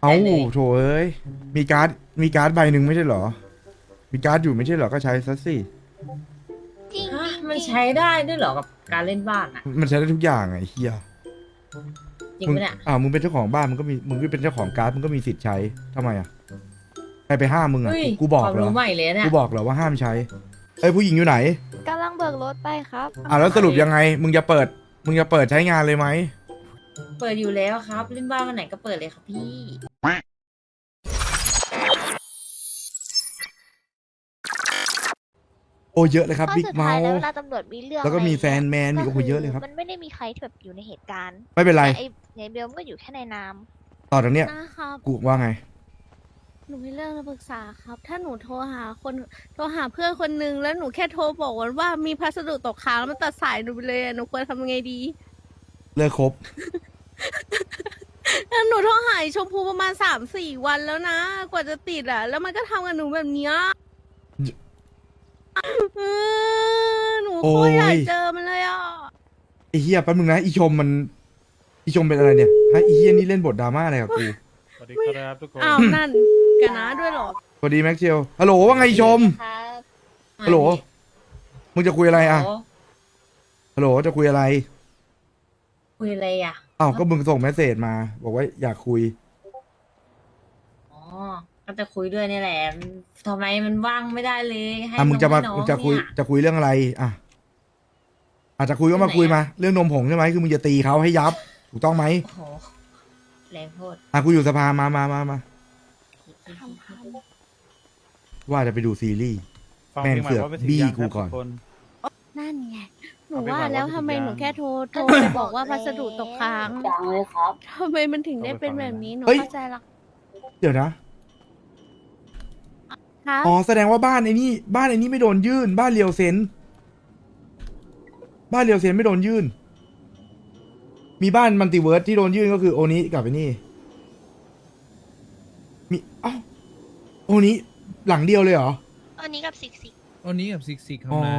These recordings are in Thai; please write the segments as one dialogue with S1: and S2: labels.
S1: เอา
S2: ได้เลย
S1: โถเอ้ยมีการ์ดใบหนึ่งไม่ใช่เหรอมีการ์ดอยู่ไม่ใช่เหรอก็ใช้ซะสิ
S3: จริง
S2: ฮะ
S3: จริง
S2: มันใช้ได้ด้วยเหรอกับการเล่นบ้านอ่ะ
S1: มันใช้ได้ทุกอย่างไอ้เฮีย
S2: จริง
S1: มึง
S2: ปะเนี่ย
S1: มึงเป็นเจ้าของบ้านมึงก็เป็นเจ้าของการ์ดมึงก็มีสิทธิ์ใช้ทำไมอ่ะใครไปห้ามมึงอ่ะ
S2: เฮ้ย
S1: กูบอก
S2: ความ
S1: เหรอ
S2: รู้ใหม่เลยเนี่ย
S1: กูบอกเหรอว่าห้ามใช้เอ้ยผู้หญิงอยู่ไหน
S3: กำลังเบิกรถไปครับ
S1: แล้วสรุปยังไงมึงจะเปิดใช้งานเลยไหม
S2: เปิดอยู่แล้วครับเล่นบ้านวันไหนก็เปิดเลยครับพี่
S1: โอ้เยอะเลยครับ
S3: เพราะ
S1: บิ๊ก
S3: สุด
S1: เมา
S3: ท้ายแล้ว
S1: ส์
S3: เวลาตำรวจมีเรื่อง
S1: แล้วก็มี
S3: อะไร
S1: แฟนแมนมี
S3: ก็
S1: โอ้โหเยอะเลยครับ
S3: มันไม่ได้มีใครที่แบบอยู่ในเหตุการณ์
S1: ไม่เป็นไร
S3: แต่ไอ้เบลมันก็อยู่แค่ในนาม
S1: ต่อจากเนี้ย
S4: นะครับ
S1: กูว่าไง
S4: หนูมีเรื่องจะปรึกษาครับ ถ้าหนูโทรหาเพื่อนคนนึงแล้วหนูแค่โทรบอกว่ามีพัสดุตกค้างแล้วมันตัดสายหนูไปเลยอะหนูควรทำยังไงดี
S1: เลิกคบ
S4: แล้วหนูโทรหาไอ้ชมพูประมาณ3-4 วันแล้วนะ กว่าจะติดอ่ะ แล้วมันก็ทำกับหนูแบบเนี้ยหนูโคตรอยากเจอมันเลยอ่ะ
S1: ไอ้เฮียแป๊บนึงนะอีชมเป็นอะไรเนี่ยฮะไอ้เฮียนี่เล่นบทดราม่าอะไรกับกู
S5: สวัสดีครับทุกคน
S4: อ้าวนั่นกันนะด้วยเหรอ
S1: สวัสดีแม็กเชลฮัลโหลว่าไงอีชม
S3: ครับ
S1: ฮัลโหลมึงจะคุยอะไรอ่ะ
S2: โอ้
S1: ฮัลโหลจะคุยอะไร
S2: คุยอะไรอ่ะ
S1: อ้าวก็มึงส่งเมสเซจมา บอกว่าอยากคุย
S2: อ๋อก็จะคุยด้วยนี่แหละทำไมมันว่างไม่ได้เลยให้
S1: มึงจะมา
S2: น้อง
S1: มึงจะคุย
S2: เนี่ย
S1: จะคุยเรื่องอะไรอ่ะอาจจะคุยก็มาคุยมา เรื่องนมผงใช่ไหมคือมึงจะตีเขาให้ยับ ถูกต้องไหม
S2: โอ้โหแรงโทษ
S1: กูอยู่สภามา
S4: ทำ
S1: ว่าจะไปดูซีรีส์
S5: ฟัง
S1: แม่ง
S5: เพลงใหม่
S1: เสือก
S5: ว่าเป็นสี
S1: บี้
S5: ยัง
S1: กู
S5: ครับ
S1: ก่อน
S5: ทุคน
S4: นั่นไง หนู
S5: เอาไป
S4: ว่า
S5: ก่อน
S4: แล้ว
S5: ว่า
S4: ทำไม
S5: เป็น
S4: หนู
S5: ยัง
S4: แค่โทรไปบอกว่าพัสดุตกค้าง
S6: ยังเลยครับ
S4: ทำไมมันถึงได้เป็นแบบนี้หนู
S1: เฮ้ย
S4: เข้าใจละ
S1: เดี๋ยวนะ
S4: ครับ
S1: อ๋อแสดงว่าบ้านไอ้นี่ไม่โดนยื่น บ้านเรียวเซนไม่โดนยื่น มีบ้านมัลติเวิร์สที่โดนยื่นก็คือโอนี้กับไอ้นี่ มีโอนี้หลังเดียวเลยเหรอ
S3: อันนี้กับซิกซิก
S7: อันนี้กับซิกครับ
S1: อ๋อ
S7: นะ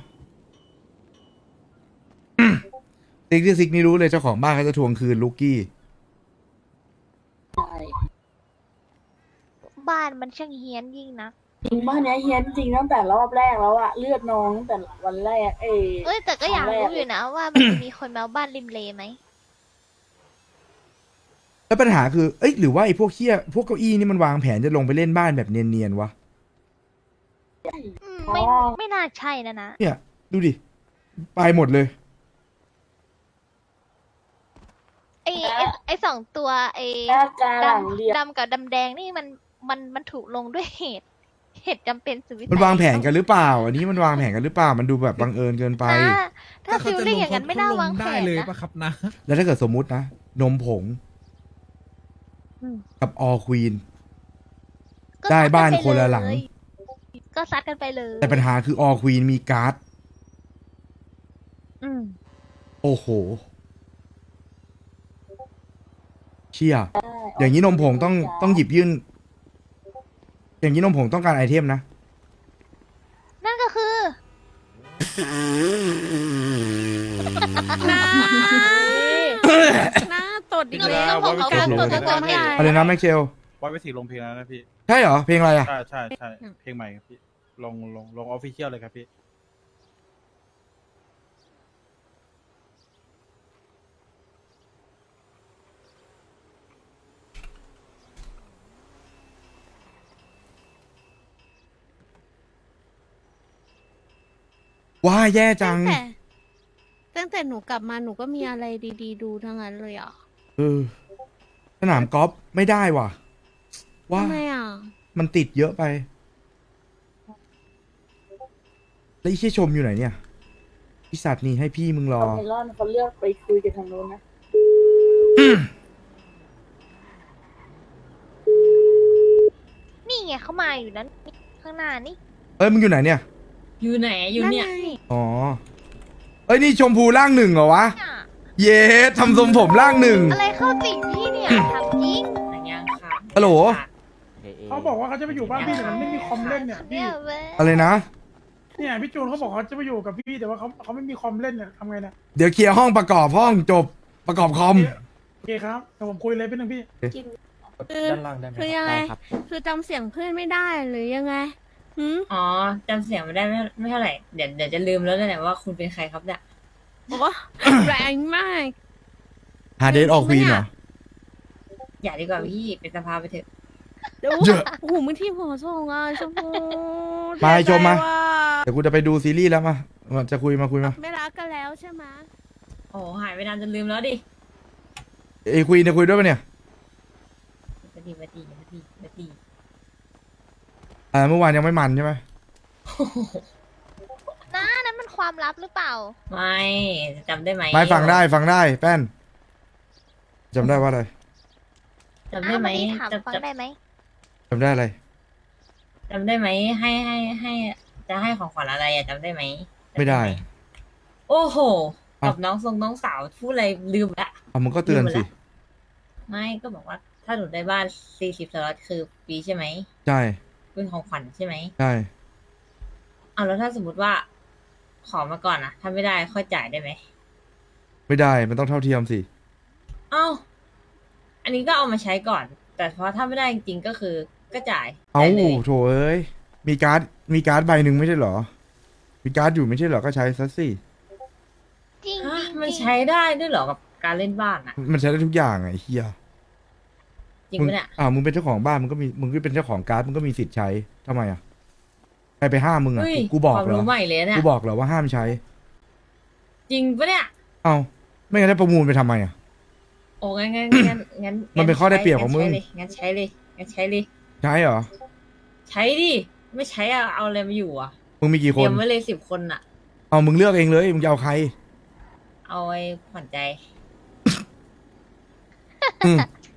S1: ซิกนี่รู้เลยเจ้าของบ้านเขาจะทวงคืนลูกกี้
S6: ใช่
S3: บ้านมันช่างเฮี้ยนยิ่งนะ
S6: จริงบ้านเนี้ยเฮี้ยนจริงตั้งแต่รอบแรกแล้วอะเลือดนองตั้งแต่วันแรก
S3: เอ้ยแต่ก็อยากรู้อยู่นะว่ามันจะมีคนมาเอาบ้านริมเลไหม
S1: แล้วปัญหาคือ เอ้ยหรือว่าไอ้พวกพวกเก้าอี้นี่มันวางแผนจะลงไปเล่นบ้านแบบเนียนๆวะ
S3: ไม่น่าใช่นะ
S1: เนี่ย ดูดิ ไปหมดเลย
S3: ไอ้2 ตัวไอ้
S6: แค่การหลังเรียน
S3: ดำกับดำแดงนี่มันถูกลงด้วยเหตุจำเป็นสุดวิสัย
S1: มันวางแผนกันหรือเปล่า อันนี้มันวางแผนกันหรือเปล่า มันดูแบบบังเอิญเกินไป
S3: ถ้าฟิลลิ่งอย่างนั้นไม่น่าวางแผ
S7: ได้
S3: น
S7: เลย
S3: นะ
S7: ปะครับนะ
S1: แล้วถ้าเกิดสมมุตินะ นมผง กับออควีน
S3: ก็
S1: ได้
S3: ซักั
S1: บ้าน
S3: ไป
S1: คนละหลัง
S3: เยก็ซัดกันไปเลย
S1: แต่ปัญหาคือออควีนมีการ์ด
S4: อืม
S1: โอ้โห เชี่ย อย่างนี้นมผงต้องหยิบยื่น อย่างนี้นมผงต้องการไอเทมนะ
S3: นั่นก็คือ
S4: หน้าตดอีก
S3: นม
S4: แล้ว
S3: ผงเขาพูดตัวตัว
S4: ไม่
S3: เอง
S4: ได้
S1: อะไรนะแม็กเชล
S5: ว่าไปสีลงเพลงแล้วนะพี่
S1: ใช่เหรอ เพลงอะไรอ่ะ
S5: ใช่เพลงใหม่ครับพี่ ลงออฟฟิเชียลเลยครับพี่
S1: ว้าแย่จัง
S4: ตั้งแต่หนูกลับมาหนูก็มีอะไรดีๆ ดูทั้งนั้นเลยอ่ะ
S1: เออ สนามกอล์ฟไม่ได้ว่ะ ว่า
S4: ทำไมอ่ะ
S1: มันติดเยอะไป แล้วไอ้เชี่ยชมอยู่ไหนเนี่ยไอีสัตว์นี่ให้พี่มึงรอ
S6: เอาไมลอนเขาเลือกไปคุยกันทางโน้นนะ
S3: นี่ไงเขามาอยู่นั้นข้างหน้านี่
S1: เอ้ยมึงอยู่ไหนเนี่ย
S2: อยู่ไหนอยู่เนี่ย
S4: นั่นไง
S1: อ๋อ เอ้ยนี่ชมพูร่างหนึ่งเหรอวะ
S3: น่ะ
S1: เย้ทำทรงผมร่างหนึ่ง
S3: อะไรเข้าติ่งพี่เนี่ยทำจริง
S2: อย่างยังค่ะ
S1: ฮัลโหล
S8: เขาบอกว่าเขาจะไปอยู่บ้านพี่แต่มันไม่มีคอมเล่นเนี่ยพี่
S3: เนี่ยเว้ย
S1: อะไรนะ
S8: เนี่ยพี่จูนเขาบอกเขาจะไปอยู่กับพี่แต่ว่าเขาไม่มีคอมเล่นเนี่ยทำไงเนี่ย
S1: เดี๋ยวเคลียร์ห้องประกอบห้องจบประกอบคอม
S8: โอเคครับเดี๋ยวผมคุยเลยเป็นหนึ่งพี่
S4: คือ
S7: ด้านล่างได้ไหม
S4: คือยังไง
S7: ได้ครับ
S4: คือจำเสียงเพื่อนไม่ได้หรือยังไงหืม
S2: อ๋อจำเสียงไม่ได้ไม่เท่าไหร่เดี๋ยวจะลืมแล้วเนี่ยว่าคุณเป็นใครครับเนี่ย
S4: โอ้ แรงมาก
S1: หาเดทออกควีนเหรอ
S2: อย่าดีกว่าพี่เป็นสภาไปเถอะ
S4: เดี๋ยว
S1: เยอะ
S4: โอ้โหมือที่หัวส่งอ่ะชมพู
S1: มาชมมา
S4: เสียใจว่ะ
S1: เดี๋ยวกูจะไปดูซีรีส์แล้วมาจะคุยมา
S4: ไม่รักกันแล้วใช่ไหม
S2: โอ้หายไปนานจนลืมแล้วดิ
S1: ไอ้ควีนจะคุยด้วยปะเนี่ย
S2: มาดี
S1: เมื่อวานยังไม่มันใช่ไหม
S3: น้านั้นมันความลับหรือเปล่า
S2: ไม่จำได้ไหม
S1: ไม่ฟังได้แป้นจำได้ว่าอะไร
S2: จำได้ไหม
S3: อ้าววันนี้ถามฟัง
S2: จำ
S3: ได้ไหม
S1: จำได้อะไร
S2: จำได้ไหมให้จะให้ของขวัญอะไรอะจำได้ไหม
S1: ไม่ได้
S2: โอ้โห
S1: อ้าว
S2: กับน้องสาวพูดอะไรลืมละ
S1: เอามึงก็เตือนสิ
S2: ไม่ก็บอกว่าถ้าหนูได้บ้าน40 สล็อตคือปีใช่ไหม
S1: ใช่
S2: เป็นของขวัญใช่ไหม
S1: ใช่
S2: เอาแล้วถ้าสมมติว่า ขอมาก่อนอะถ้าไม่ได้ค่อยจ่ายได้ไหม
S1: ไม่ได้มันต้องเท่าเทียมสิ
S2: เอ้าอันนี้ก็เอามาใช้ก่อน แต่พอถ้าไม่ได้จริงๆก็คือก็จ่าย
S1: เอ้า
S2: จ่ายเลย
S1: โถเอ้ยมีการ์ดใบหนึ่งไม่ใช่เหรอ มีการ์ดอยู่ไม่ใช่เหรอก็ใช้ซะสิ
S3: จริง
S2: ฮะ
S3: จริง
S2: มัน
S3: จริง
S2: ใช้ได้ด้วยเหรอกับการเล่นบ้านอะ
S1: มันใช้ได้ทุกอย่างไงเฮีย
S2: จริง
S1: มึง
S2: ปะเนี่ย
S1: มึงเป็นเจ้าของบ้านมึงก็เป็นเจ้าของการ์ดมึงก็มีสิทธิ์ใช้ทำไมอ่ะใครไปห้ามมึงอ่ะ
S2: เฮ้ย
S1: กูบอก
S2: ความ
S1: เหรอ
S2: รู้ใหม่เลยเนี่ย
S1: กูบอกเหรอว่าห้ามใช้
S2: จริงปะเนี่ย
S1: เอ้าไม่งั้นได้ประมูลไปทำไมอ่ะ
S2: โอ้งั้น
S1: มันเป็นข้อได้เปรียบของมึง
S2: งั้นใช้เลย
S1: ใช้เหรอ
S2: ใช้ดิไม่ใช้อะเอาอะไรมาอยู่อะ
S1: มึงมีกี่
S2: เต
S1: ค
S2: รี
S1: น
S2: ยมไว้เลย10 คนอะ
S1: เอามึงเลือกเองเลยมึงจะเอาใคร
S2: เอาไว้ขวัญใจ
S1: อืม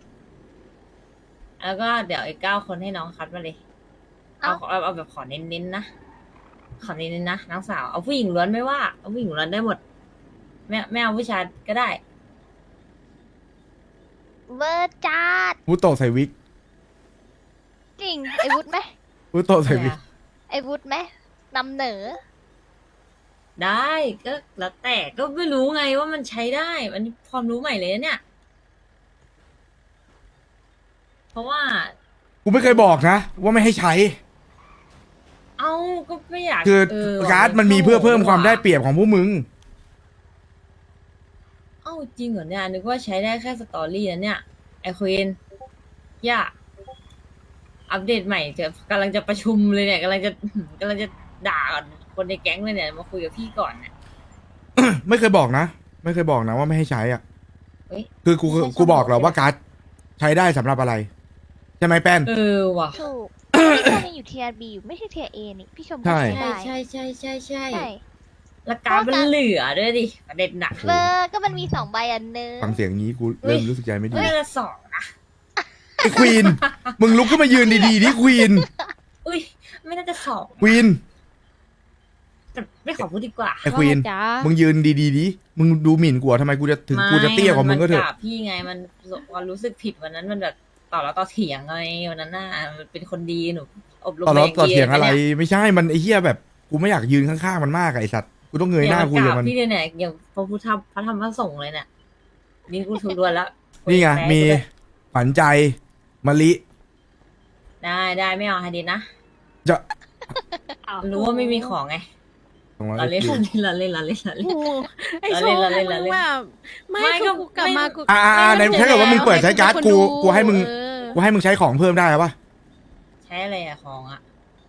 S2: แล้วก็เดี๋ยวอีก9 คนให้น้องคัดมาเลย เอาแบบขอเน้นๆนะขอเน้นๆนะน้องสาวเอาผู้หญิงล้วนไม่ว่าเอาผู้หญิงล้วนได้หมดไม่เอาผู้ชายก็ได้
S3: เวอร์จัด
S1: วุฒโตะใส่วิก
S3: จริง ไอวุฒไหม
S1: วุฒโตะใส่วิก
S3: ไอวุฒไหมนำเหนอ
S2: ได้ก็แล้วแต่ก็ไม่รู้ไงว่ามันใช้ได้อันนี้ความรู้ใหม่เลยนะเนี่ย เพราะว่า
S1: กูไม่เคยบอกนะว่าไม่ให้ใช้
S2: เอ้าก็ไม่อยาก
S1: คือ
S2: ว่ะ
S1: การ์ดมันมีเพื่อเพิ่มความได้เปรียบของพวกมึง
S2: เอ้าจริงเหรอเนี่ยนึกว่าใช้ได้แค่สตอรี่นะเนี่ยไอควีนย่าอัปเดตใหม่กำลังจะประชุมเลยเนี่ยกำลังจะด่าคนในแก๊งเลยเนี่ยมาคุยกับพี่ก่อนเนี่ย
S1: ไม่เคยบอกนะ ไม่เคยบอกนะว่าไม่ให้ใช้อ่ะ
S2: เฮ้ย
S1: คือกู
S2: ไม่ใช่
S1: กูบอกเหรอ
S2: ใช่ไหม
S1: ว่าการ์ดใช้ได้สำหรับอะไรใช่ไหมแป้น
S2: เออว่ะ
S3: ถูก พี่ชมยังอยู่เทียร์บีอยู่ไม่ใช่เทียร์เอนี่ พี่ชมก็
S1: ใช่
S3: ใช้ได้
S2: ใช่
S3: ใช่
S2: แล้วการดมันเหลือด้วยดิประเด็นหนัก
S3: เวอร์ก็มันมี2 ใบอันนึง
S1: ฟังเสียงนี้กูเริ่มรู้สึกใจไม่ดี
S2: น่าจะ2นะ
S1: ไอ้ควีน มึงลุกขึ้นมายืนดีๆดิควีน
S2: อุ้ยไม่น่าจะ2
S1: ควีน
S2: แต่ไม่ขอพูดดีกว่า
S1: ไอ้ควีน
S4: จ้า
S1: มึงยืนดีๆดิ มึงดูหมิ่นกูอะทำไมกูจะถึงกูจะเตี้ยกว่ามึงก็เถอะ
S2: นพี่ไงมันความรู้สึกผิดวันนั้นมันแบบต่อแล้วต่อเถียงไงวันนั้นน่ะมันเป็นคนดีหนูอบรม
S1: ต่อแล้ว
S2: มา
S1: ต่อ
S2: ดี
S1: เถียงอะไร
S2: นี่
S1: ไม่ใช่ มันไอ้เหี้ยแบบ กูไม่อยากยืนข้างๆมันมากอะไอ้สัตว์ กูต้องเงยหน้าคุยกับมัน
S2: พี่เนี่ยอย่างพระพุทธพระธรรมพระสงฆ์เลยเนี่ยนี่กูทุรวนแล้ว
S1: นี่ไง มีขวัญใจมะลิ
S2: ได้ไม่เอาฮาดินนะ
S1: จะ
S2: รู้ว่าไม่มีของไง
S1: 200
S2: เราเล่น
S1: SQ
S2: เราเล่น
S4: โอ้โหไอ้โช
S2: เรา
S4: ว์
S2: เล่น
S4: มึงแบบไม่
S2: ไม่
S4: คื
S2: ก็
S4: อกูกลับมากู
S1: ในถ้าเกิดว่ามึงเปิดใช้การ์ดกูให้มึง
S4: เออ
S1: กูให้มึงใช้ของเพิ่มได้ปะ
S2: ใช้อะไรอะของอะ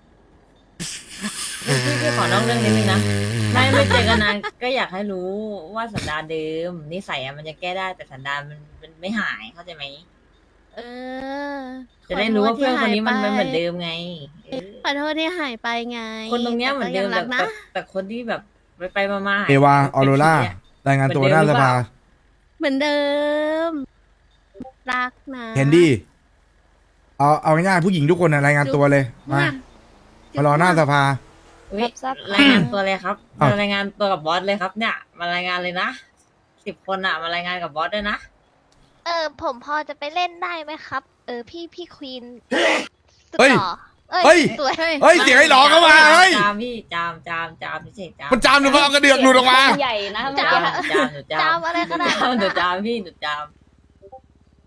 S2: พี่ขอนอกเรื่องนิดนึงนะไม่เจอกันนานก็อยากให้รู้ว่าสันดานเดิมนิสัยอะมันจะแก้ได้แต่สันดานมันไม่หายเข้าใจไหม
S4: เออ
S2: จะได้รู้ว่าเพื่อนคนนี้มันเหมือนเดิมไงเออ
S4: ขอโทษที่หายไปไง
S2: คนตรงเนี้ยเหมือนเดิม
S4: แต่ก็ยังรักนะ
S2: แต่คนที่แบบไปมาๆ
S1: เอวาออโรร่า
S2: เนี่ย
S1: รายงานตัวหน้าสภา
S4: เหมือนเดิม รักนะ
S1: แคนดี้ เอาง่ายๆผู้หญิงทุกคนนะรายงานตัวเลย มามารอหน้าสภา
S2: อุ๊ยรายงานตัวเลยครับ
S1: อ้าว
S2: มารายงานตัวกับบอสเลยครับ เนี่ยมารายงานเลยนะ10 คนอะมารายงานกับบอสด้วยนะ
S3: ผมพอจะไปเล่นได้ไหมครับ พี่ควีนสุด
S1: เฮ้ย
S3: หล่อ
S1: เฮ้ย
S3: สวย
S1: เฮ้ย เสียงไอ้หลอเข้ามาเฮ้ย
S2: จามพี่จามพี่เฉยจาม
S1: มันจามหรือเปล่าเอากระเดือกหลุดออกมา
S6: ใหญ่นะ
S2: จามหนูจาม
S3: จามอะไรขนาดนั้น
S2: หนู
S3: อะ
S2: จามพี่หนูจาม
S4: ถู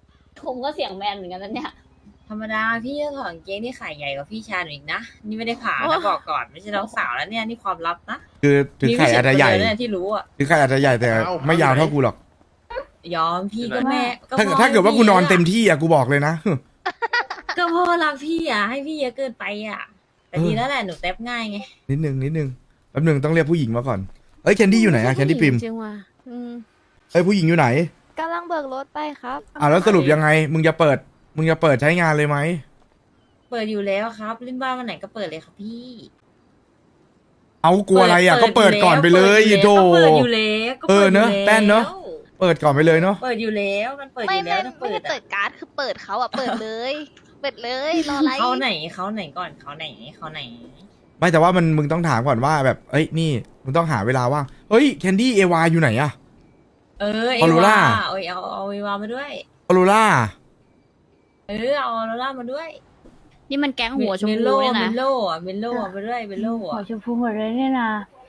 S7: คุมก็เสียงแมนเหมือนกันนะเนี่ย
S2: ธรรมดาพี่จะถอดกางเกงที่ขาใหญ่กว่าพี่ชายหนูอีกนะนี่ไม่ได้ผ่านะบอกก่อนไม่ใช่น้องสาวแล้วเนี่ยนี่ความลับนะ
S1: คือถึงไข่อาจจะใหญ่
S2: มีไม่ใช่คนเดียวเนี่ยที่รู้อ่ะ
S1: ถึงไข่อาจจะใหญ่แต่ไม่ยาวเท่ากูหรอก
S2: ยอมพี่ก็แม่
S1: ถ้าเกิดว่ากูนอนเต็มที่อะกูบอกเลยนะ
S2: ก็พ่อรักพี่อ่ะให้พี่เยอะเกินไปอ่ะแต่ดีแล้วแหละหนูแท็บง่ายไง
S1: นิดนึงแป๊บนึงต้องเรียกผู้หญิงมาก่อนเอ้ยแคนดี้อยู่ไหนอะแคนดี้ปิม
S4: จริงว่ะ
S1: เอ้ยผู้หญิงอยู่ไหน
S3: กำลังเบิกรถไปครับ
S1: แล้วสรุปยังไงมึงจะเปิดใช้งานเลยไหม
S2: เปิดอยู่แล้วครับเล่นบ้านวันไหนก็เปิดเลยครับพี่
S1: เอากลัวอะไรอะก็เปิดก่อนไปเลยโธ่
S2: เปิดอยู่แล้วก็
S1: เอ
S2: เปิ
S1: อ
S2: ดอยู่
S1: เนอะ
S2: แล้ว
S1: แป้นเนอะ เปิดก่อนไปเลยเนาะ
S2: เปิดอยู่แล้วมันเปิดอ
S3: ไม่
S2: ยู่แล้วต้อง
S3: ไม่
S2: เปิ
S3: ได้
S2: ด
S3: เปิ
S2: อะ
S3: ดการ์ดคือเปิดเขาอะเปิดเลย เปิดเลยรออะไร
S2: เขาไหนก่อนเขาไหน
S1: ไม่แต่ว่ามึงต้องถามก่อนว่าแบบเอ้ยนี่มึงต้องหาเวลาว่างเฮ้ยแคนดี้เอวาอยู่ไหนอะ
S2: เออ
S1: ออโรร่า
S2: เอาเอวามาด้วย
S1: ออโรร่า
S2: เออเอาออโรร่ามาด้วย
S7: นี่มันแก๊งหัวชม
S2: เม
S7: พู
S2: โล่
S7: เนี่ย
S2: เม
S7: นะ
S2: โล่อะเมโล่เอามาด้วยเมโล่
S6: หัว
S2: อะ
S6: ชมพูหมดเลยเนี่ยนะ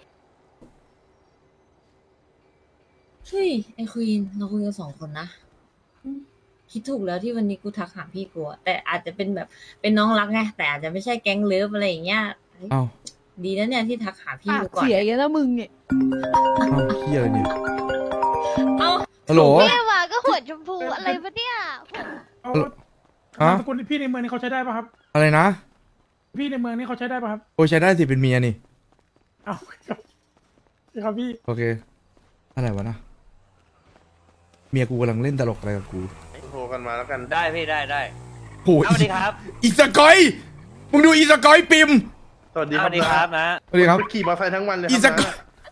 S2: เฮ้ยไอควีนเราคุยกัน2 คนนะคิดถูกแล้วที่วันนี้กูทักหาพี่กูอะแต่อาจจะเป็นแบบเป็นน้องรักไงแต่อาจจะไม่ใช่แก๊งเลิฟอะไรอย่างเงี้ยเฮ้ย
S1: เอ้า
S2: ดีนะเนี่ยที่ทักหาพี่กูก่อน
S4: เสียกันแล้วมึงเนี่ย
S1: เอ้าเฮียอะไรเนี่ย
S2: เอ้า
S1: ฮัลโหล
S3: แม่ว่าก็หัวชมพูอะไรปะเนี่ย
S8: เอา
S1: ฮะ
S8: นามสกุลพี่ในเมืองนี่เขาใช้ได้ป่ะครับ
S1: อะไรนะ
S8: พี่ในเมืองนี่เขาใช้ได้ป่ะครับ
S1: โอ้ยใช้ได้สิเป็นเมียนี่
S8: เอาครับครับพี่
S1: โอเคอะไรวะนะเมียกูกำลังเล่นตลกอะไรกับกู
S9: โทรกันมาแล้วกัน
S10: ได้พี่ได้
S1: โอ้ย
S10: สวัสดีครับ
S1: อีสกอยมึงดูอีสกอยปิม
S9: สวัสดี
S10: ส
S9: ครั
S10: วัสดีครับนะ
S1: สวัสดีครับ
S9: ไปขี่มอเตอร์ไซค์ทั้งวันเลยค
S1: อี
S9: รับ
S1: สกอย
S9: นะ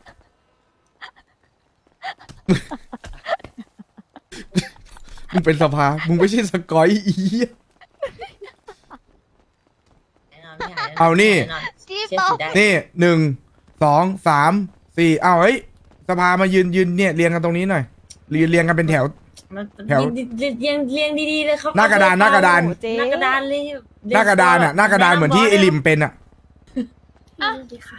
S1: มึงเป็นสภามึงไม่ใช่สกอยอีเหี้ย เอานี่
S3: จี้
S2: เชื่อ
S3: เปา
S2: ถือได้
S1: นี่1 2 3 4เอาเฮ้ยสภามายืนเนี่ยเรียงกันตรงนี้หน่อยเรียงกันเป็นแถว
S2: มัน
S1: แถว
S2: เรียงดีๆเลยครับ
S1: หน้ากระดาน
S2: ห
S1: หน้ากระดาน
S2: น้ากระดานเลย
S1: หน้ากระดานอ่ะหน้ากระดานเหมือนที่ไอริมเป็นอ่ะ
S6: ดีค่ะ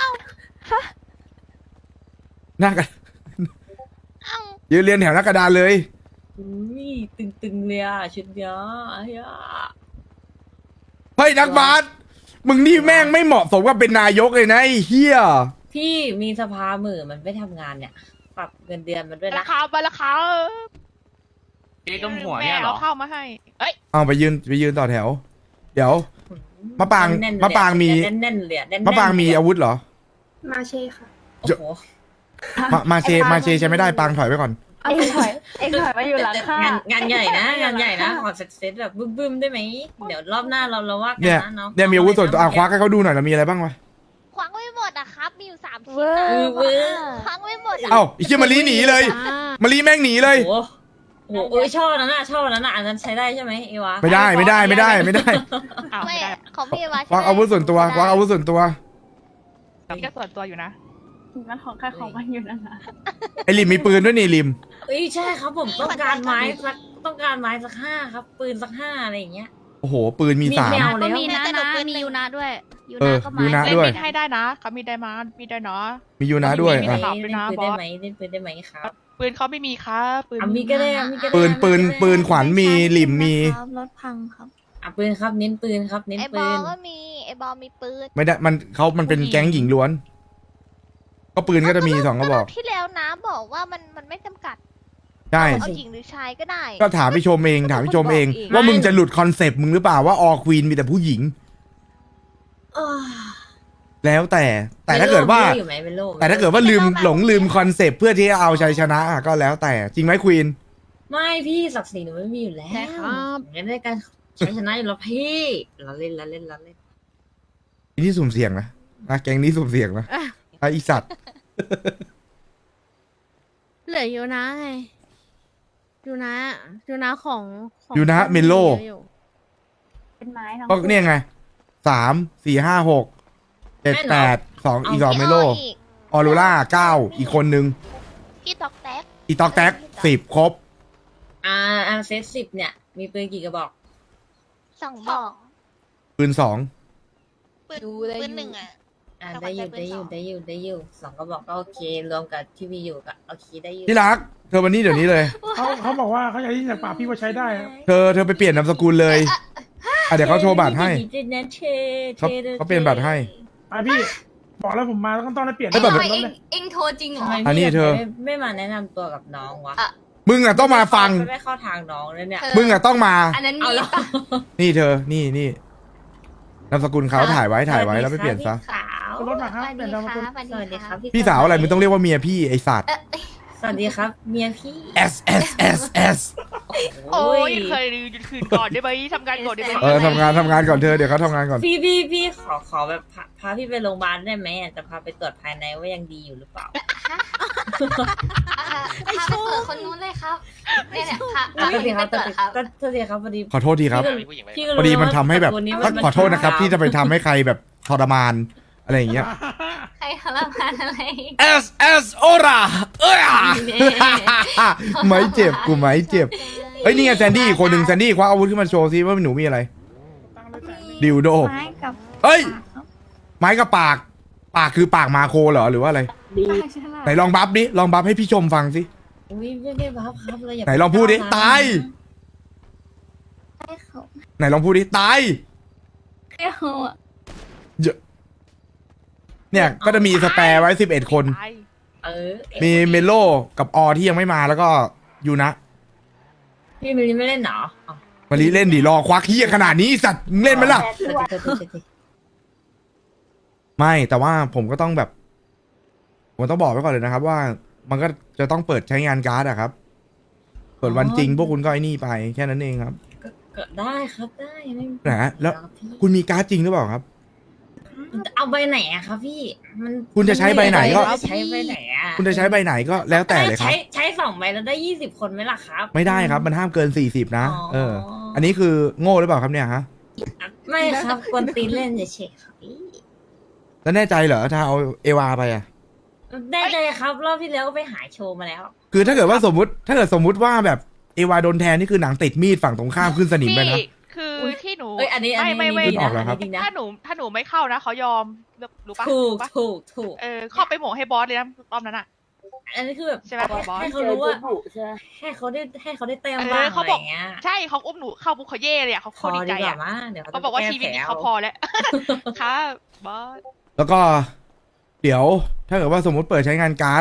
S1: หน้ากระ
S3: เอ้า
S1: ยืนเรียงแถวหน้ากระดานเลย
S2: อุ้ยตึงๆเลยอ่ะชุดเนี้ยไอ้ยะ
S1: เฮ้ยนักบาสมึงนี่แม่งไม่เหมาะสมกับเป็นนายกเลยนะไอ้เฮีย
S2: พี่มีสภาหมื่นมันไม่ทำงานเนี่ยปรับเงินเดือนมันด้วย
S3: รา
S2: นะ
S3: คาไปราคา
S10: พี่ต้มหัวเนี่ยเหรอ
S3: แม่เข้ามาให้ เอ้ย
S1: เอาไปยืนต่อแถว เดี๋ยว มะปราง
S2: แน่นๆเลย
S1: มะปรางมี
S2: แน่นๆเลยแน่นๆ
S1: มะปรางมีอาวุธเหรอ
S6: มาเช่ค่ะ
S2: โอ้โห
S1: มาเชใช้ไม่ได้ปรางถอยไปก่อน
S6: เอ็งถอยมาอยู่หลังค่ะ
S2: งานใหญ่นะงานใหญ่นะขอเซตแบบบึ้มๆได้ไหมเดี๋ยวรอบหน้าเราว่ากัน
S1: เนี่ย
S2: นะน้อง
S1: เนี่ยมีอาวุธส่วนตัวควักให้เขาดูหน่อยแล้วมีอะไรบ้างวะ
S3: ควักไม่หมดอะครับ มีอยู่3 ชิ้น
S4: เว้
S3: อะ
S4: ย
S2: เว้ย
S3: ควักไม่หมดอะ
S1: เอ้าไอ้เชี่ยมาลีหนีเลยมาลีแม่งหนีเลย
S2: โอ้โหเอ้ยชอบนั้นน่ะอันนั้นใช้ได้ใช่ไหมเอวา
S1: ไม่ได้
S3: อ้าว
S1: ไม่ได้
S3: ไม่ของพี่วา
S1: ควักอาวุธส่วนตัวควักอาวุธส่วนตัว
S3: พี่ก็ส่วนตัวอยู่นะ
S6: มันของใครของมันอยู่นั่นนะ
S1: ไอ้ริมมีปืนด้วยนี่ริม
S2: เอ้ยใช่ครับผมต้องการไม้สัก5ครับปืนสัก5อะไรอย่างเงี้ย
S1: โอ้โหปืนมี
S2: มี
S1: 3
S2: แมว
S7: ก็มีนะมียูนะด้วยยู
S1: เอ
S7: นะ
S1: อ
S7: ก็
S1: ยู
S7: มา
S1: นะ
S3: เล่น
S1: ด้วย
S3: มีดให้ได้นะเขามีได้มามีได้เนาะ
S1: มียูนะด้วย
S3: มี
S1: อ่ะ
S3: ตลอดด้วยนะ
S2: เล่นปืน
S3: บอ
S2: ได้
S3: ส
S2: ไหมเล่นปืนได้ไหมครับ
S3: ปืนเขาไม่มีครับปืน
S2: มีก็ได้มีก็ได้
S1: ปืนขวัญมีริมมี
S7: รถพังครับ
S2: ปืนครับเน้นปืนครับเน้น
S3: ไอ้บ
S2: ปื
S3: อล
S2: น
S3: ก็มีไอ้บอลมีปืน
S1: ไม่ได้มันเป็นแก๊งหญิงล้วน ก็ปืนก็จะมี2กระบอก
S3: ที่แล้วนะบอกว่ามันไม่จำกัด
S1: ใช่
S3: เอาหญิงหรือชายก็ได้
S1: ก็ถามพี่ชมเองว่ามึงจะหลุดคอนเซปต์มึงหรือเปล่าว่าออควีนมีแต่ผู้หญิง แล้วแต่ถ้าเกิดว่า
S2: อยู่ไหมเป็นโล
S1: แต่ถ้าเกิดว่าลืมคอนเซปต์เพื่อที่จะเอาชัยชนะอ่ะก็แล้วแต่จริงไหมควีน
S2: ไม่พี่ศักดิ์ศรีหนูไม่มีอยู่แล้ว
S4: ใช่ครับ
S2: งั้นได้การใช้ชนะอยู่แล้วพี่เราเล่น
S1: นี่สุ่มเสี่ยงนะแก๊งนี้สุ่มเสี่ยงนะไอ้อีสัตว์
S4: เหลือยูนะไงยูนะของ
S1: ยูนะเมโล
S6: เป็นไม้ทั้ง
S1: ก็เนี่ยไง3 4 5 6 7 8 2อีก2เมโล
S3: อีก
S1: ออโรร่า9อีกคนนึง
S3: พี่ตอกแตก
S1: อีตอกแท็ก10ครบ
S2: เซต10เนี่ยมีปืนกี่กระบอก
S3: 2 บอก
S1: ปืน2
S3: ปืน
S4: ดูเลย
S3: ปืนหนึ่งอะ
S2: ได้อยู่สองกระบอกก็โอเครวมกับที่มีอยู่ก็โอเคได้อยู่
S1: ที่รักเธอวันนี้เดี๋ยวนี้เลย
S8: เขาบอกว่าเขาอยากได้ยินจากปากพี่ว่าใช้ได้ครับ
S1: เธอไปเปลี่ยนนามสกุลเลยเดี๋ยวเขาโชว์บัตรให้เขาเปลี่ยนบัตรให้
S8: ไปพี่บอกแล้วผมมาแล้วต้องได้เปลี่ยน
S1: เอ้ยแบบ
S8: รถ
S7: เอง
S8: เลย
S7: เองโทรจริงเหรอ
S2: ทำไม
S1: อันนี้
S2: พี่
S1: เธอ
S2: ไม่มาแนะนำตัวกับน้องวะ
S1: มึงอ่ะต้องมาฟัง
S2: ไม่เข้าทางน้องเลยเนี่ย
S1: มึงอ่ะต้องมา
S7: อันนั้น
S2: เอา
S7: มี
S2: แล้ว
S7: ปะ
S1: นี่เธอนี่นามสกุลเขาถ่ายไว้แล้วไปเปลี่ยนซะ
S2: สาว
S8: รถมาครับ
S3: สวัส
S8: เปลี่
S3: ดี
S8: ยนนามสกุล
S3: ค่ะสวัส
S2: สวัส
S3: ดี
S2: ดีครั
S3: ค่ะ
S2: บ
S1: พี่สาวอะไรมึงต้องเรียกว่าเมียพี่ไอสัตว์
S2: สวัสดีครับเมียพี่
S1: S S S S
S10: โอ้ยเคยหยุดคืนก่อนได้ไหมทำงานก่อนได้ไหม
S1: ทำงานก่อนเธอเดี๋ยวเขาทำงานก่อน
S2: พี่ขอแบบพาพี่ไปโรงพยาบาลได้ไหมจะพาไปตรวจภายในว่ายังดีอยู่หรือเปล่า
S7: พาไปเปิดคนนู้นเลยครับเนี่ยพา
S2: อ่ะโทษที
S7: ไป
S2: ครับ
S7: เปิดครับ
S2: โทษทีครับพอดี
S1: ขอโทษทีครับ
S2: พี่ก็
S1: พอดีมัน
S2: ว่า
S1: ทำให้แบบ
S2: ตระกูลนี้
S1: ขอโทษนะครับที่จะไปทำให้ใครแบบทรมานอะไรอย่างเงี้ย
S7: ใครทรมานอะไร
S1: S S โอราไม่เจ็บกูไม่เจ็บเฮ้ยนี่ไงแซนดี้อีกคนหนึ่งแซนดี้คว้าอาวุธขึ้นมาโชว์ซิว่าหนูมีอะไรดิวโด
S4: ไม้กับ
S1: เฮ้ยไม้กับปากคือปากมาโคเหรอหรือว่าอะไร
S6: ดี
S4: ปากฉลาด
S1: ไหนลองบัฟดิลองบัฟให้พี่ชมฟังสิ
S2: อุ้ยไม่ได้บัฟครับเราอย่า
S1: ไหนลองพูดดิตาย
S4: ให้เขา
S1: ไหนลองพูดดิตาย
S4: ให้เขาอะ
S1: เนี่ยก็จะมีสแปร์ไว้11 คน มีเมโลกับอที่ยังไม่มาแล้วก็ยูนะ
S2: พี่มิลลิไม่เล่นเหรออ๋อ
S1: มาลีเล่นดิรอควักเฮียขนาดนี้สัตว์มึงเล่นไหมล่ะ
S2: โทษที
S1: ไม่แต่ว่าผมก็ต้องแบบผมต้องบอกไว้ก่อนเลยนะครับ ว่ามันก็จะต้องเปิดใช้งานการ์ดอะครับส่วนวันจริงพวกคุณก็ไอ้นี่ไปแค่นั้นเองครับ
S2: ก็ได้ครับได้ไม่มี
S1: นะแล้ว
S2: ครับพี่
S1: คุณมีการ์ดจริงหรือเปล่าครับ
S2: เอาใบไหนอะครับพี่มัน
S1: คุณจะใช้ใบไหนก็
S2: ใช้ใบไหนอะ
S1: คุณจะใช้ใบไหนก็แล้วแต่เลยครับ
S2: ใช้2 ใบแล้วได้20 คนไหมล่ะครับ
S1: ไม่ได้ครับมันห้ามเกิน40นะอันนี้คือโง่หรือเปล่าครับเนี่ยฮะ
S2: ไม่ครับกวนตีนเล่นเฉยๆครับพี่
S1: แล้วแน่ใจเหรอถ้าเอาเอวาไปอะ
S2: ได้เลยครับรอบที่แล้วก็ไปหาโชว์มาแล้ว
S1: คือถ้าเกิดว่าสมมติว่าแบบเอวาโดนแทนนี่คือหนังติดมีดฝั่งตรงข้ามขึ้นสนิมไปนะ
S10: คือที่หนู
S2: เอ้ยอันนี้
S10: ไม่
S1: ขึ้นออกแล้วครับ
S2: ดีนะ
S10: ถ้าหนูไม่เข้านะเขายอมรู้ปะ
S2: ถูก
S10: รู้ปะ
S2: ถูก
S10: เข้าไปโหมกให้บอสเลยนะรอบนั้นอ่ะ
S2: อันนี้คือแบบ
S10: ใช่ไหมบอส
S2: ให้
S6: เจ
S2: เขา
S6: อ
S2: รู้ว่า
S6: จุบุใช่ไหม
S2: ให้เขาได้เต็มบ้าง
S10: เขา
S2: อะไร
S10: บอก
S2: อย่างเงี้ย
S10: ใช่เขาอุ้มหนูเข้าบุคเขาเย่เลยอ่ะเขา
S2: พอ
S10: ดี
S2: ดี
S10: ใจ
S2: กว่า
S10: อ่ะ
S2: มาเดี๋ยว
S10: เขาบอกว่าชีวิตนี้เขาพอแล้วค่ะบอส
S1: แล้วก็เดี๋ยวถ้าเกิดว่าสมมติเปิดใช้งานการ์ด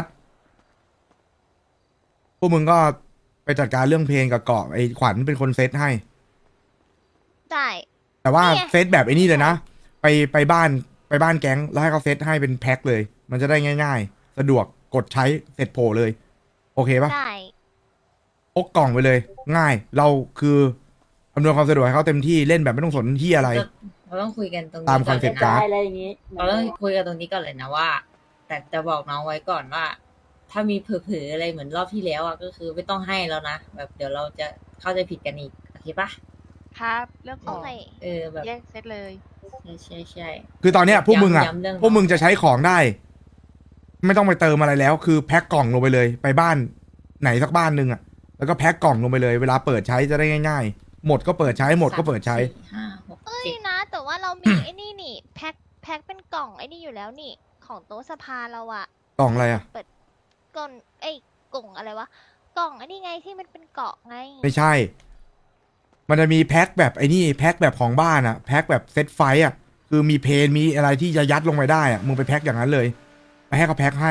S1: พวกมึงก็ไปจัดการเรื่องเพลงกับเกาะไอ้ขวัญเป็นคนเซตให้
S3: ได้
S1: แต่ว่า
S3: เนี่ย
S1: เซตแบบไอ้นี่เลยนะไปบ้านแก๊งแล้วให้เขาเซตให้เป็นแพ็คเลย มันจะได้ง่ายๆ สะดวกกดใช้เสร็จโผล่เลย โอเคปะ
S3: ได้
S1: พกกล่องไปเลย ง่าย เราคืออำนวยความสะดวกให้เขาเต็มที่เล่นแบบไม่ต้องสนที่อะไร
S2: เราต้องคุยกันตรงนี้
S1: ตามคอนเซ็ปต์
S2: ก่
S1: การ์ด
S6: ได้อะไรอย่างงี้
S2: เราต้องคุยกันตรงนี้ก่อนเลยนะว่า แต่จะบอกน้องไว้ก่อนว่า ถ้ามีเผลอๆอะไรเหมือนรอบที่แล้วอ่ะก็คือไม่ต้องให้แล้วนะแบบเดี๋ยวเราจะเข้าใจผิดกันอีกโอเคปะ
S10: ครับเรื่องข
S3: โอ
S10: อง
S3: เค
S2: แบบ
S10: แยกเซตเลย
S2: ใช่
S1: คือตอนเนี้ยพวกมึงอ่ะ
S2: ย้ำเรื่อง
S1: พวกมึงจะใช้ของได้ ไม่ต้องไปเติมอะไรแล้ว คือแพ็คกล่องลงไปเลย ไปบ้านไหนสักบ้านหนึ่งอ่ะ แล้วก็แพ็คกล่องลงไปเลย เวลาเปิดใช้จะได้ง่ายๆ หมดก็เปิดใช้หมดก็เปิดใช้
S2: 3 4 5 6
S3: เอ้ย
S2: 7
S3: นะ แต่ว่าเรามี ไอ้นี่นี่แพ็คเป็นกล่องไอ้นี่อยู่แล้วนี่ ของโต๊ะสภาเราอะ
S1: กล่องอะไรอ่ะ
S3: กล่องกล่องอะไรวะกล่องไอ้นี่ไงที่มันเป็นเกาะไง
S1: ไม่ใช่ มันจะมีแพ็คแบบไอ้นี่แพ็คแบบของบ้านอ่ะ แพ็คแบบเซตไฟต์อ่ะ คือมีเพนมีอะไรที่จะยัดลงไปได้อ่ะ มึงไปแพ็คอย่างนั้นเลย ไปให้เขาแพ็คให้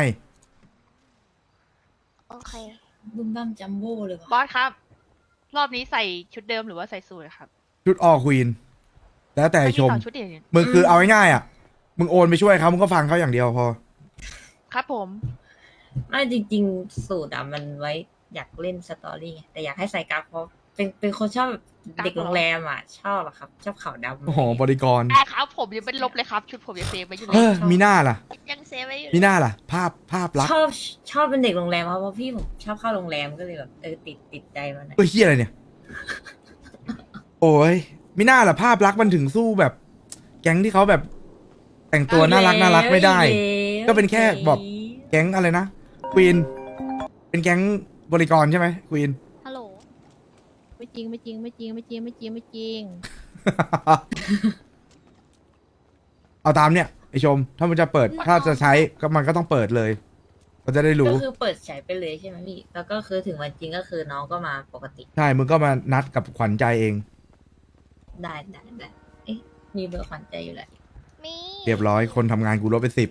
S3: โอเค
S2: บึ้มบั้มจัมโบ้เลย
S10: บ
S2: ว่ะ
S10: อสครับ รอบนี้ใส่ชุดเดิมหรือว่าใส่สูทครับ
S1: ชุดออควีน แล้วแต่ชม
S10: อันนี้2 ชุดเดียวเนี่ย
S1: มึงคือเอาง่ายๆอ่ะ มึงโอนไปช่วยเขามึงก็ฟังเขาอย่างเดียวพอ
S10: ครับผม
S2: ไม่จริงๆสูตรอ่ะมันไว้อยากเล่นสตอรี่ไงแต่อยากให้ใส่กราฟเพราะเป็นคนชอบแบบเด็กโรงแรมอ่ะ ชอบอะครับ ชอบขาวดำ
S1: โอ้โห บริกร
S10: ครับผมยังเป็นลบเลยครับ ชุดผมยังเซฟไว้อยู่เล
S1: เอย อ มีหน้าล่ะ
S3: ยังเซฟไว้อยู่
S1: มีหน้าล่ะ ภาพลักษณ์
S2: ชอบเป็นเด็กโรงแรมเพราะพี่ผมชอบเข้าโรงแรมก็เลยแบบติดใจมันอะ
S1: เฮ้ยเฮียอะไรเนี่ย โอ้ยมีหน้าล่ะภาพลักษณ์มันถึงสู้แบบ แก๊งที่เขาแบบ แต่งตัวน่ารักไม่ได้ ก็เป็นแค่แบบแก๊งอะไรนะควีนเป็นแก๊งบริกรใช่ไหมควีน
S4: ฮัลโหลไม่จริงไม่จริงไม่จริงไม่จริงไม่จริงไม่จริง
S1: เอาตามเนี่ยไอชม ถ้ามันจะเปิดถ้าจะใช้ก็มันก็ต้องเปิดเลยเราจะได้รู้
S2: ก็คือเปิดใช้ไปเลยใช่ไหมพี่แล้วก็คือถึงวันจริงก็คือน้องก็มาปกติ
S1: ใช่มึงก็มานัดกับขวัญใจเอง
S2: ได้เอ๊ะมีเบอร์ขวัญใจอยู่แหละ
S3: มี
S1: เรียบร้อยคนทำงานกูลดไป10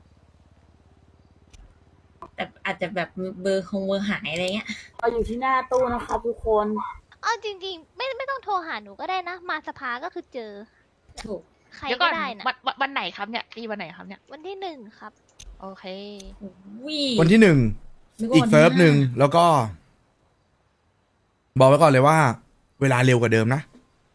S2: แต่อาจจะแบบเบอร์หายอะไรเงี้ย
S6: เราอยู่ที่หน้าตู้นะครับทุกคน
S3: เอาจริงๆ ไม่ต้องโทรหาหนูก็ได้นะ มาสภาก็คือเจอ
S2: ถูก
S3: ใคร
S10: เดี๋ยว
S3: ก็
S10: ก่อน
S3: ได้นะ
S10: วันไหนครับเนี่ยตีวันไหนครับเนี่ย
S3: วันที่ 1 ครับ
S10: โอเค
S2: วิ
S1: วันที่ 1
S2: นึว่า
S1: อีก
S2: วันที่
S1: เซิร์ฟหนึ่ง
S2: 5
S1: แล้วก็ บอกไว้ก่อนเลยว่า เวลาเร็วกว่าเดิมนะ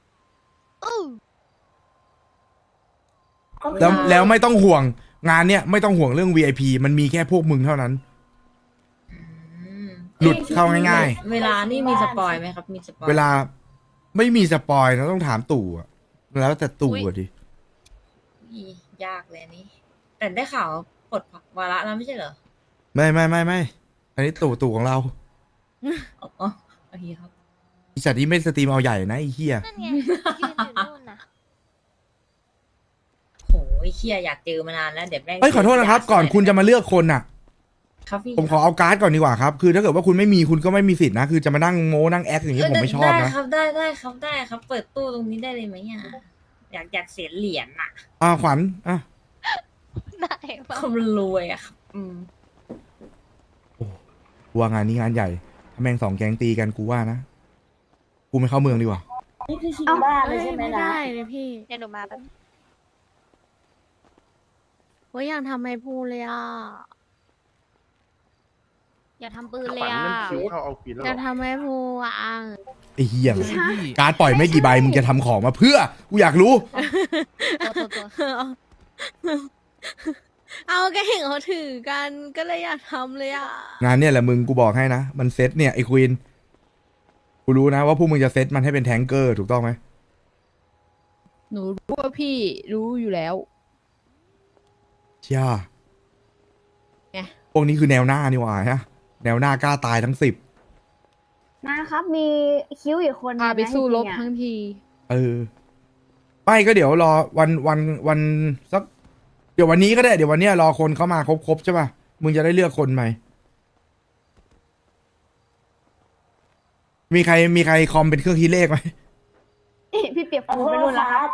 S1: แล้วไม่ต้องห่วงงานเนี้ยไม่ต้องห่วงเรื่อง VIP มันมีแค่พวกมึงเท่านั้น
S2: อืม
S1: หลุดเข้าง่าย
S2: เวลานี่มีสปอยไหมครับ มีสปอย
S1: เวลาไม่มีสปอยนะต้องถามตู่อะแล้วแต่ตู่อะดิ
S2: อุ๊ยยากเลยอันนี้ แต่ได้ข่าวปลดวาระแล้วไม่ใช่เหรอ
S1: ไม่อันนี้ตู่ของเรา
S2: อ๋อโอเคครับ
S1: ไอีสัตว์นี้ไม่สตรีมเอาใหญ่นะไอ้เหี้ย
S3: นั่นไง ยืนอยู่นู่นนะ
S2: โหเคียอยากเจอมานานแล้วเดี๋ยวแม่ง
S1: เอ้ยขอโทษนะครับ ก่อนคุณจะมาเลือกคนอะ
S2: ครับพี่
S1: ผมขอเอาการ์ดก่อนดีกว่าครับ คือถ้าเกิดว่าคุณไม่มีคุณก็ไม่มีสิทธินะ คือจะมานั่งโม้นั่งแอคอย่างนี้ผมไม่ชอบ
S2: ได้
S1: นะ
S2: ครับได้ครับ เปิดตู้ตรงนี้ได้เลยไหมอ่ะอยากเสียเหรียญอ่ะ
S1: ขวัญอ่ะ
S3: ได้ปะ
S2: คนรวยอ่ะครับ
S1: กูว่างานนี้งานใหญ่ถ้าแม่ง2 แก๊งตีกันกูว่านะ กูไม่เข้าเมืองดีกว่า
S6: นี่คือชิงบ้านเลยใช่ไหม
S4: ไม่
S6: นะ
S4: ได้เลยพี่
S3: เดี๋ยวหนูมาแป๊บ
S4: โอ้ยอยากทำไมพูดเลยอ่ะ
S3: อย่าทำปืนเลยอ่ะ
S4: อยากทำไมพูดอ่ะ
S1: ไอ้เหี้ยการ์ดปล่อยไม่กี่ใบมึงจะทำของมาเพื่อ กูอยากรู้
S4: เอาก็เห็นเขาถือกันก็เลยอยากทำเลยอ่ะ
S1: งานเนี่ยแหละมึงกูบอกให้นะ มันเซตเนี่ยไอ้ควีนกูรู้นะว่าพวกมึงจะเซตมันให้เป็นแทงเกอร์ถูกต้องไหม
S9: หนูรู้ว่าพี่รู้อยู่แล้ว
S1: เชี่ย
S9: ไง
S1: พวกนี้คือแนวหน้านี่หว่าฮะแนวหน้ากล้าตายทั้ง10
S6: นะครับ มีคิ้วอีกคน
S9: พาไปสู้รบทั้งที
S1: ไม่ก็เดี๋ยวรอวันสักเดี๋ยววันนี้ก็ได้เดี๋ยววันเนี้ยรอคนเข้ามาครบใช่ป่ะมึงจะได้เลือกคนใหม่มีใครคอมเป็นเครื่องคิดเลขไหม
S6: พี่เปียกฟูไปนู่นแล้วครับ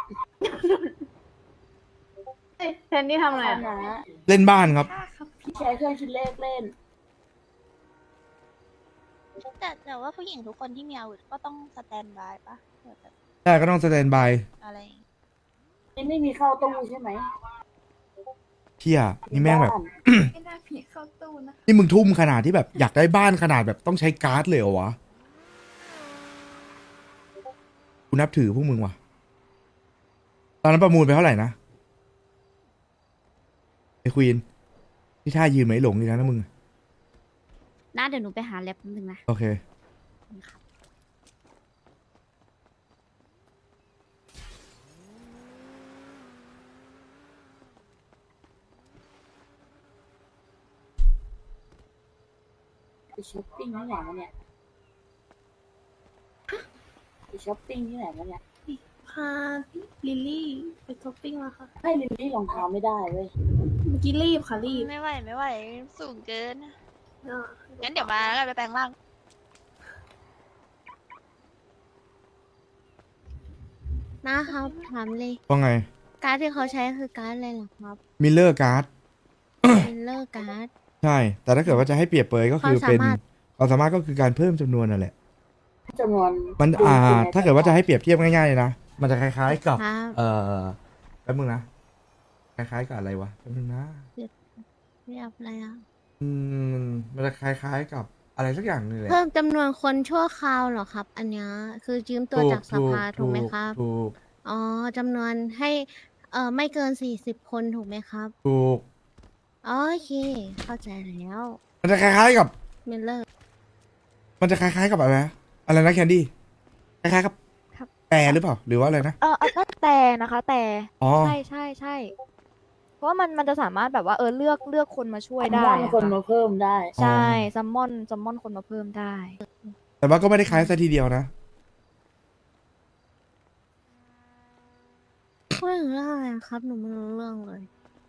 S6: แทนที่ทำอะไรนะ
S1: เล่นบ้านครับ
S6: พี่ใช้เครื่องคิดเลขเล่น
S3: แต่ว่าผู้หญิงทุกคนที่มีอาวุธก็ต้องสแตนบายปะเผื่อแบบ
S1: ได้ก็ต้องสแตนบาย
S3: อะไร
S6: นี่ไม่มีเข้าตู้ใช่ไหม
S1: เที่ยนี่แม่งแบบ
S7: ไม่น่าผีเข้าตู้นะ
S1: นี่มึงทุ่มขนาดที่แบบอยากได้บ้านขนาดแบบต้องใช้การ์ดเลยเหรอวะกูนับถือพวกมึงว่ะตอนนั้นประมูลไปเท่าไหร่นะไอ้ควีนที่ท่ายืนไหมหลงอยู่นะมึง
S4: น่าเดี๋ยวหนูไปหาแล็บนิดนึงนะ
S1: โอเค
S6: ไปช้อปปิ้งที่ไหนมาเนี่ยไปช้อปปิ้งที่ไหนมาเนี่ย
S4: พาลิลลี่ไปช้อปปิ้งมาค่ะ
S6: ให้ลิลลี่รองเท้าไม่ได้เว้ย
S4: เมื่อกี้รีบค่ะรีบ
S3: ไม่ไหว สูงเกิน งั้นเดี๋ยวมาแล้วกันไปแปลงร่าง
S4: นะครับถามเลย
S1: ว่าไง
S4: การ์ดที่เขาใช้คือการ์ดอะไรเหรอครับ
S1: มิลเลอร์การ์ด
S4: มิลเลอร์การ์ด
S1: ใช่ แต่ถ้าเกิดว่าจะให้เปรียบเปรยก็คือเป็น
S4: ความสามารถ
S1: ความสามารถก็คือการเพิ่มจำนวนนั่นแหละ
S6: จำนวน
S1: มันถ้าเกิดว่าจะให้เปรียบเทียบง่ายๆเลยนะ มันจะคล้ายๆกับ
S4: ครับ
S1: แป๊บมึงนะ คล้ายๆกับอะไรวะแป๊บมึงนะ
S4: เรียบอะไรอ่ะ
S1: มันจะคล้ายๆกับอะไรสักอย่างนึงแหละ
S4: เพิ่มจำนวนคนชั่วคราวเหรอครับ อันเนี้ยคือยืมตัวจากสภาถูกไหมครับ
S1: ถูก
S4: อ๋อจำนวนให้ไม่เกิน40 คนถูกไหมครับ
S1: ถูก
S4: โอเค เข้าใจแล้ว
S1: มันจะคล้ายๆกับ
S4: มิลเลอร์
S1: มันจะคล้ายๆกับอะไรนะอะไรนะแคนดี้ คล้ายๆกับ
S9: ครับ
S1: แต่หรือเปล่า หรือว่าอะไรนะ
S9: ก็แต่นะคะแต่
S1: อ๋อ
S9: ใช่เพราะว่ามันจะสามารถแบบว่าเลือกคนมาช่วยได้
S6: ว่าง
S9: อะ
S6: คน
S9: ค่ะ
S6: มาเพิ่มได้
S9: ใช่ซัมมอนคนมาเพิ่มได้
S1: แต่ว่าก็ไม่ได้คล้ายซะทีเดียวนะ
S4: พูดถึงเรื่องอะไรครับ หนูไม่รู้เรื่องเลย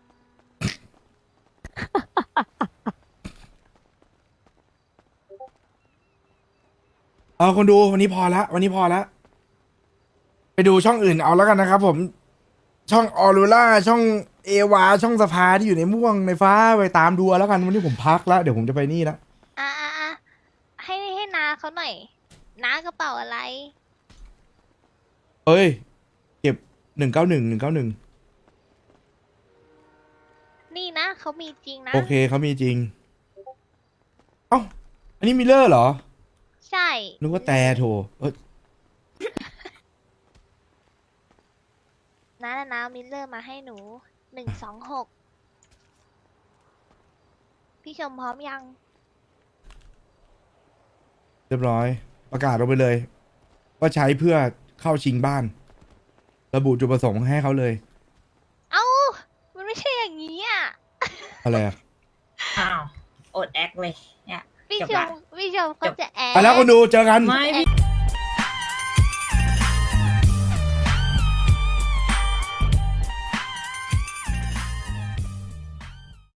S1: เอาคนดูวันนี้พอละวันนี้พอละไปดูช่องอื่นเอาแล้วกันนะครับผมช่องออรูล่าช่องเอวาช่องสภาที่อยู่ในม่วงในฟ้าไปตามดูเอาแล้วกันวันนี้ผมพักแล้วเดี๋ยวผมจะไปนี่ละ
S3: ให้น้าเขาหน่อยน้ากระเป๋าอะไร
S1: เอ้ยเก็บ191
S3: นี่นะเขามีจริงนะ
S1: โอเคเขามีจริงเอ้าอันนี้มิลเลอร์เหรอ
S3: ใช่
S1: นึกว่าแต่โถ
S3: น้ามิลเลอร์มาให้หนู126พี่ชมพร้อมยัง
S1: เรียบร้อยประกาศลงไปเลยว่าใช้เพื่อเข้าชิงบ้าน ระบุจุดประสงค์ให้เขาเลย
S3: เอ้า มันไม่ใช่อย่างนี้อ่ะ
S1: อะไรอะ
S2: อ้าวอดแอคเลยเนี่ย
S3: พี่
S2: จบ
S3: ช
S2: ละ
S3: มเขาจะแอบ
S1: ไปแล้วคนดูเจอกัน
S2: ไม่พี่